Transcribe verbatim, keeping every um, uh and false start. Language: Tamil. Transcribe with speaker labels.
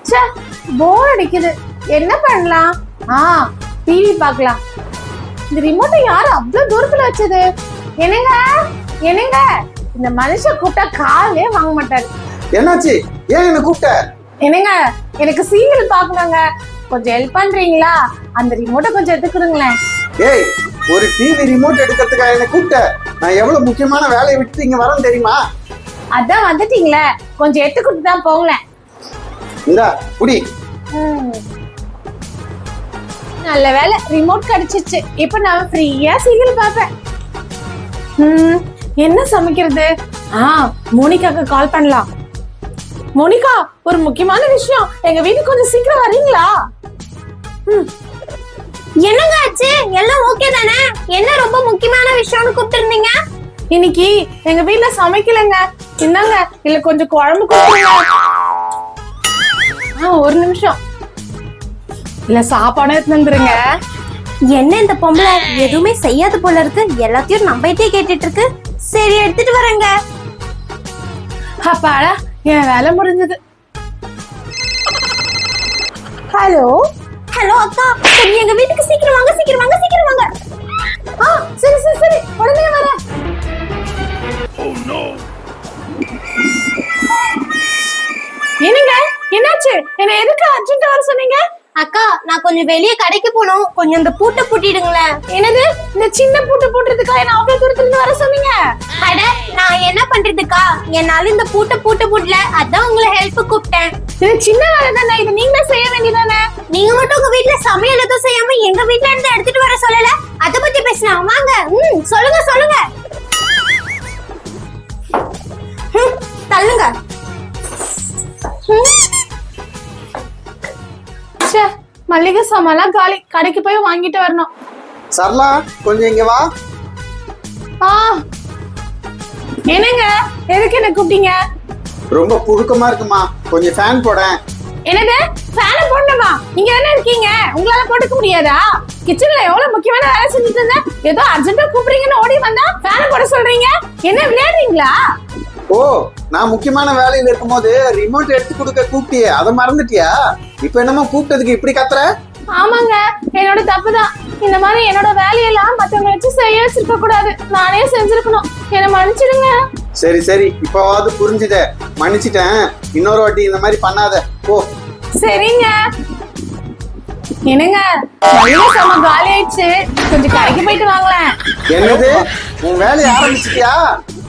Speaker 1: ச்சே, போர் அடிக்குது. என்ன பண்ணலாம்? ஆ, டிவி பார்க்கலாம். இந்த ரிமோட்டை யாரு அவ்வளவு தூரத்துல வச்சது? என்னங்க என்னங்க, இந்த மனுஷன் கூப்பிட்டா காலே வாங்க மாட்டாரு.
Speaker 2: என்னாச்சு? ஏன் என்ன கூப்பிட்ட?
Speaker 1: என்னங்க, எனக்கு சீரியல் பார்க்கணுங்க. கொஞ்சம் ஹெல்ப் பண்றீங்களா? அந்த ரிமோட்டை கொஞ்சம் எடுத்துக்கிடுங்களேன்.
Speaker 2: ஏய், ஒரு டிவி ரிமோட் எடுக்கிறதுக்காக என்ன கூப்பிட்ட? நான் எவ்வளவு முக்கியமான வேலையை விட்டு இங்க வரேன் தெரியுமா?
Speaker 1: அதான் வந்துட்டீங்களே, கொஞ்சம் எடுத்து கொடுத்து தான் போங்களேன்.
Speaker 2: இந்தா புடி.
Speaker 1: நல்ல வேலை, ரிமோட் கிடைச்சிச்சு. இப்ப நான் ஃப்ரீயா சீரியல் பார்ப்பேன். ம், என்ன சமைக்கிறது? ஆ, மோனிகாக்கு கால் பண்ணலாம். மோனிகா, ஒரு முக்கியமான விஷயம், எங்க வீட்டுக்கு கொஞ்சம் சீக்கிரம் வரீங்களா?
Speaker 3: என்னங்க ஆச்சு? எல்லாம் ஓகே தானே? என்ன ரொம்ப முக்கியமான விஷயம்னு கூப்பிட்டுருந்தீங்க?
Speaker 1: இன்னைக்கு எங்க வீட்டுல சமைக்கலங்க. என்னங்க, இல்ல கொஞ்சம் குழம்பு கொடுங்க. ஆ, ஒரு நிமிஷம். இல்ல சாப்பாடு எடுத்து வந்துருங்க.
Speaker 3: என்ன இந்த பொம்பளை எதுவுமே செய்யாது போல இருக்கு, எல்லாத்தையும் நம்பிட்டே கேட்டுட்டு இருக்கு. சரி, எடுத்துட்டு வரேங்க.
Speaker 1: அப்பாடா, என் வேலை முடிஞ்சது. ஹலோ
Speaker 3: ஹலோ அக்கா, கொஞ்சம் எங்க வீட்டுக்கு சீக்கிரம் வாங்க, சீக்கிரம் வாங்க, சீக்கிரம் வாங்க.
Speaker 1: ஆ, சரி சரி சரி, உடனே வரேன். என்னங்க, என்னாச்சு? என்ன எதுக்கு அர்ஜென்ட்டா வர சொன்னீங்க?
Speaker 3: அக்கா, நான் கொஞ்சம் வெளியே கடைக்கு போகணும், கொஞ்சம் இந்த பூட்டை பூட்டிடுங்களேன்.
Speaker 1: என்னது, இந்த சின்ன பூட்டு போட்டுறதுக்கா என்ன அவ்வளவு தூரத்துல இருந்து வர சொன்னீங்க?
Speaker 3: அட, நான் என்ன பண்றதுக்கா, என்னால இந்த பூட்டை பூட்ட பூட்டல, அதான் உங்களை ஹெல்ப் கூப்பிட்டேன்.
Speaker 1: இது சின்ன வேலை தானே, இது நீங்களே செய்ய வேண்டியதானே?
Speaker 3: நீங்க மட்டும் உங்க வீட்டுல சமையல் எதுவும் செய்யாம எங்க வீட்டுல இருந்து எடுத்துட்டு வர சொல்லல, அத பத்தி பேசலாம் வாங்க. ம், சொல்லுங்க சொல்லுங்க. ம், தள்ளுங்க.
Speaker 1: ச்சே, மல்லிகை சாமான்லாம் காலி, கடைக்கு போய் வாங்கிட்டு வரணும்.
Speaker 2: சரளா, கொஞ்சம் இங்க வா.
Speaker 1: ஆ, என்னங்க, எதுக்கு என்ன கூப்பிட்டீங்க?
Speaker 2: ரொம்ப புழுக்கமா இருக்குமா, கொஞ்சம் ஃபேன் போடேன்.
Speaker 1: என்னது, ஃபேனை போடணுமா? நீங்க தானே இருக்கீங்க, உங்களால போட்டுக்க முடியாதா? கிச்சன்ல எவ்வளவு முக்கியமான வேலை செஞ்சுட்டு இருந்தேன், ஏதோ அர்ஜென்ட்டா கூப்பிடுறீங்கன்னு ஓடி வந்தா ஃபேனை போட சொல்றீங்க. என்ன விளையாடுறீங்களா?
Speaker 2: ஓ, நான் முக்கியமான வேலையில இருக்கும்போது ரிமோட் எடுத்து கொடுக்க கூப்பிட்டியே, அதை மறந்துட்டியா? இப்ப என்னமோ கூப்பிட்டதுக்கு இப்படி கத்துற?
Speaker 1: ஆமாங்க, என்னோட தப்புதான். இந்த மாதிரி என்னோட வேலையெல்லாம் மத்தவங்க வச்சு செய்ய வச்சிருக்க கூடாது, நானே செஞ்சிருக்கணும். என்ன மன்னிச்சிடுங்க.
Speaker 2: சரி சரி, இப்பவாவது புரிஞ்சுத, மன்னிச்சிட்டேன். இன்னொரு வாட்டி இந்த மாதிரி பண்ணாத போ.
Speaker 1: சரிங்க. என்னங்க, மளிகை சாமான் காலி ஆயிடுச்சு, கொஞ்சம் கடைக்கு போயிட்டு வாங்களேன்.
Speaker 2: என்னது, உன் வேலையை ஆரம்பிச்சிட்டியா?